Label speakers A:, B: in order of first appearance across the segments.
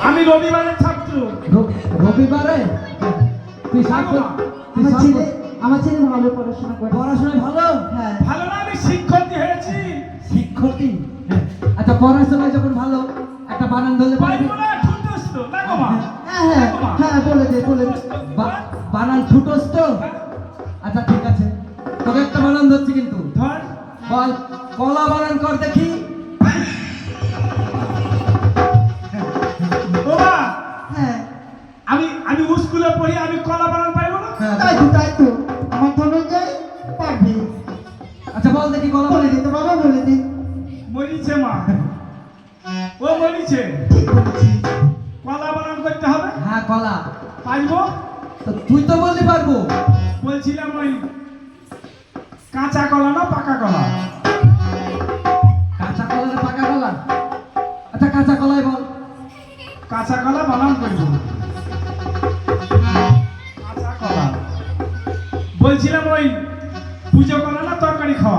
A: আমি রবিবারের ছাত্র।
B: রবিবারে তুই ছাত্র?
C: আমার ছেলে ভালো পড়াশোনা করে।
B: পড়াশোনায় ভালো?
C: হ্যাঁ।
A: ভালো না, আমি শিক্ষার্থী হয়েছি।
B: শিক্ষার্থী? আচ্ছা, পড়াশোনায় যখন ভালো, একটা বানান ধরলে পারবি?
A: পাইবো না, ঠুনটুস তো, না গো মা?
C: হ্যাঁ হ্যাঁ হ্যাঁ, বলে দে বলে দে।
B: বানান ছুটোস তো? আচ্ছা ঠিক আছে, তোকে একটা বানান ধরছি কিন্তু।
A: ধর।
B: বল, কলা বানান কর দেখি।
A: ও মা,
C: হ্যাঁ
A: আমি আমি স্কুলে পড়ি, আমি কলা বানান পাইবো না?
B: হ্যাঁ।
C: তাই তো আমার ধনঞ্জয় পারবি।
B: আচ্ছা বল দেখি কলা
C: বলে
B: বানান।
C: দে তো বাবা, বলে দে।
A: মরিছে মা, ও মরিছে।
C: ঠিক বলেছিস।
A: কলা বানান করতে হবে।
B: হ্যাঁ কলা।
A: পাইবো?
B: তো তুই তো বলতে পারবো।
A: বলছিলাম ওই কাঁচা কলা না পাকা কলা?
B: কাঁচা কলা না পাকা কলা? আচ্ছা কাঁচা কলাই বল।
A: কাঁচা কলা বানান করবো। কাঁচা কলা। বলছিলাম ওই পুজো কলা না তরকারি খাওয়া?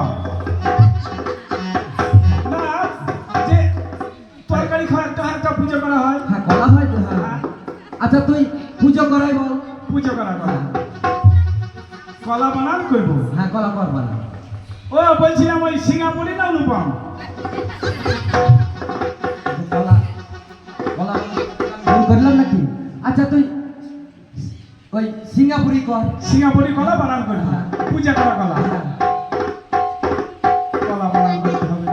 A: না, যে তরকারি খাওয়া একটা হালকা পুজো করা হয়।
B: হ্যাঁ কলা হয় তো, হ্যাঁ। আচ্ছা তুই পুজো করাই বল।
A: পুজো করা কলা। কলা বানান করবো।
B: হ্যাঁ কলা কর বানান।
A: ও বলছিলাম ওই সিঙ্গাপুরি না অনুপম?
B: কলা কলা ভুল করলাম নাকি? আচ্ছা তুই ওই সিঙ্গাপুরি কর।
A: সিঙ্গাপুরি কলা বানান করবো।
B: হ্যাঁ।
A: পূজা করা কলা।
B: হ্যাঁ।
A: কলা বানান করতে হবে।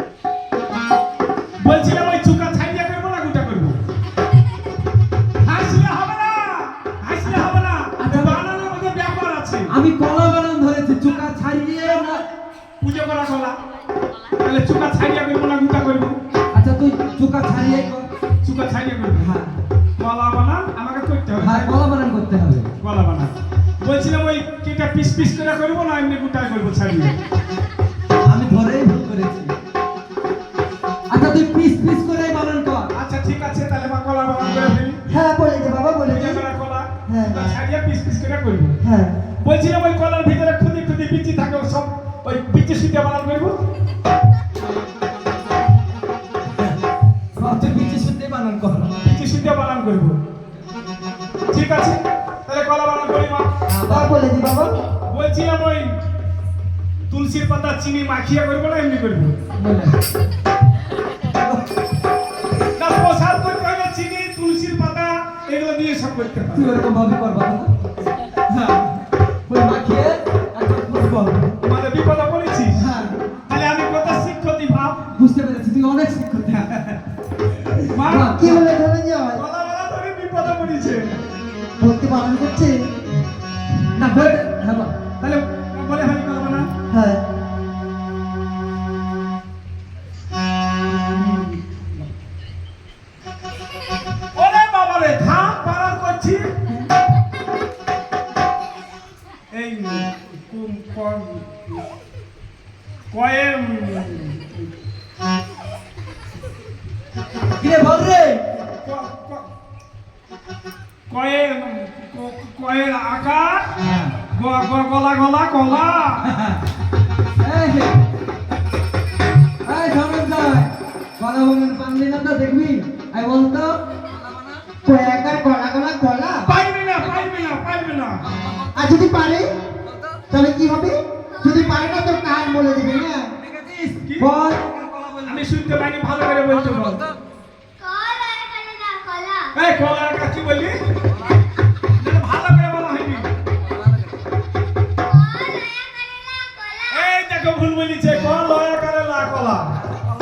A: বলছিলাম ওই চুকা ছাইয়া করবো না গুটা করবো? হাসলে হবে না, হাসলে হবে না।
B: আচ্ছা।
A: বানানোর মধ্যে ব্যাপার আছে।
B: আমি কলা বানান ধরেছি, চুকা ছাড়িয়ে না।
A: পুজো করা কলা, তাহলে চুকা ছাইয়া করবো না গুটা করবো?
B: আচ্ছা তুই চুকা ছাড়িয়ে কর।
A: চুকা ছাইয়া করবো।
B: হ্যাঁ
A: কলা বানান আমাকে করতে হবে।
B: হ্যাঁ কলা বানান করতে হবে।
A: কলা বানান বলছিলাম ওই কেটা পিস পিস করে করবো না এমনি গুটা করবো ছাড়িয়ে?
B: আমি ধরেই ভুল করেছি। আচ্ছা তুই পিস পিস করে বানান কর।
A: আচ্ছা ঠিক আছে, তাহলে মা কলা বানান করে ফেলি।
C: হ্যাঁ বলে দে বাবা, বলে দে।
A: পূজা করা কলা,
C: হ্যাঁ।
A: ওটা ছাড়িয়ে পিস পিস করে করবো।
C: হ্যাঁ
A: বলছিলাম ওই কলার ভিতরে খুদি খুদি বিচি থাকে, ও সব ওই বিচি সুইটা বানান করবো।
B: তুই পিচে শুনতে বানান কর।
A: বিচি সুইটা বানান করবো। ঠিক আছে, তাহলে কলা বানান করি মা।
C: হ্যাঁ বলে দে বাবা।
A: বলছিলাম ওই তুলসীর পাতা চিনি মাখিয়া করবো না এমনি করবো?
B: বলে।
A: না, প্রসাদ করতে হলে চিনি তুলসীর পাতা এগুলো দিয়ে সব করতে হবে।
B: তুই ওরকম ভাবে কর বাবা। হ্যাঁ ওই মাখিয়ে একদম ফুটবো।
A: মানে বিপদে পড়েছিস?
B: হ্যাঁ
A: তাহলে আমি কত শিক্ষতি ভাব।
B: বুঝতে পেরেছি, তুই অনেক শিক্ষিত।
A: মা,
C: কি বলে ধনঞ্জয়?
A: কলা বানান ধরে বিপদে পড়েছে।
C: ভক্তি পালন করছে।
B: না বলে হ্যাঁ বল।
A: তাহলে বলে হানি কলা বানান।
C: হ্যাঁ
A: ওরে বাবা রে, ধাপ পারার করছি। এই কয়েম
B: কিরে বল রে।
A: কয়েম কয়ের আকার
B: হ্যাঁ।
A: গলা গলা কলা।
B: এই যে, এই ধনঞ্জয়, কলা বানান পারলি না তো দেখবি। আই বলতো
C: কয়াকার গলা গলা গলা।
A: পাইবে না, পাইবে না, পাইবে না।
C: আর যদি পারে তাহলে কি হবে? যদি পারে না তো কান বলে দিবি না।
A: কি?
B: বল।
A: আমি শুনতে পাইনি, ভালো করে বলতে বল। এই কলার কাছে বলি, যেন ভালো করে বলা হয়নি। এই দেখো ভুল বলিছে, কলা করে লা কলা।